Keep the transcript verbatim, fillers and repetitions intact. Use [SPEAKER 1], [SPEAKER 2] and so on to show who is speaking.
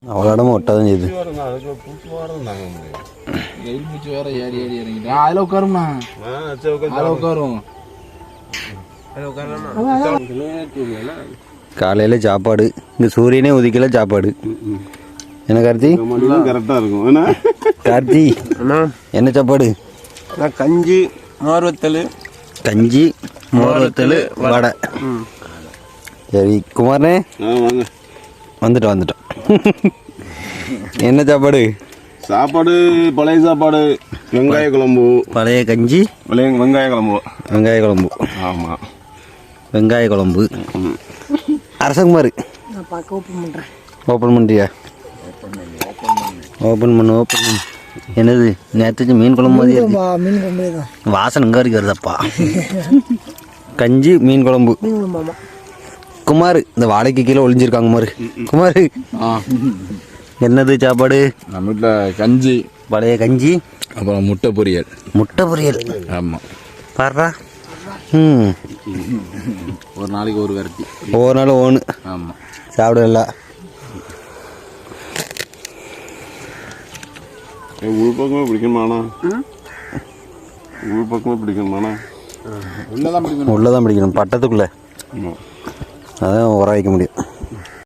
[SPEAKER 1] அவ்வளோ இடமும் ஒட்டாதான் செய்யுது.
[SPEAKER 2] அதில் உட்காரும்ண்ணா, அதில் உட்காரும்.
[SPEAKER 1] காலையில் சாப்பாடு இங்கே சூரியனே உதிக்கல சாப்பாடு. என்ன கார்த்தி?
[SPEAKER 3] கரெக்டாக இருக்கும்.
[SPEAKER 1] கார்த்தி என்ன சாப்பாடு?
[SPEAKER 3] கஞ்சி மோர் வத்தல்.
[SPEAKER 1] கஞ்சி மோர் வத்தல் வடை. சரி குமாரனே வந்துட்டோம் வந்துட்டோம். என்ன சாப்பாடு?
[SPEAKER 3] சாப்பாடு பழைய சாப்பாடு, வெங்காய குழம்பு.
[SPEAKER 1] பழைய கஞ்சி
[SPEAKER 3] பழைய வெங்காய குழம்பு.
[SPEAKER 1] வெங்காய குழம்பு.
[SPEAKER 3] ஆமாம்,
[SPEAKER 1] வெங்காய குழம்பு. அரசகுமார்
[SPEAKER 4] ஓப்பன் பண்ணுறேன்.
[SPEAKER 1] ஓப்பன் பண்ணுறியா? ஓப்பன் பண்ணு ஓப்பன் பண்ணு. என்னது நேற்று மீன் குழம்பு மாதிரி இருக்கு.
[SPEAKER 4] மீன் குழம்பு தான்
[SPEAKER 1] வாசனை இங்கே வரைக்கும் வருதப்பா. கஞ்சி மீன் குழம்பு. குமார் இந்த வாழைக்கு கீழே ஒளிஞ்சிருக்காங்க குமார். குமார் என்னது சாப்பாடு?
[SPEAKER 2] நம்ம வீட்டில் கஞ்சி,
[SPEAKER 1] பழைய கஞ்சி,
[SPEAKER 2] அப்புறம் முட்டை பொரியல்.
[SPEAKER 1] முட்டை பொரியல்.
[SPEAKER 2] ஆமாம்,
[SPEAKER 1] பாடுறா. ம்
[SPEAKER 2] ஒரு நாளைக்கு ஒரு வெரைட்டி,
[SPEAKER 1] ஒவ்வொரு நாளும் ஒன்று.
[SPEAKER 2] ஆமாம்,
[SPEAKER 1] சாப்பிடல.
[SPEAKER 3] உள் பக்கமே பிடிக்கணுமாண்ணா? உள் பக்கமே பிடிக்கணுமாண்ணா?
[SPEAKER 2] உள்ளதான் பிடிக்கணும்.
[SPEAKER 1] உள்ளதான் பிடிக்கணும், பட்டத்துக்குள்ளே. அதான் உர வைக்க முடியும்.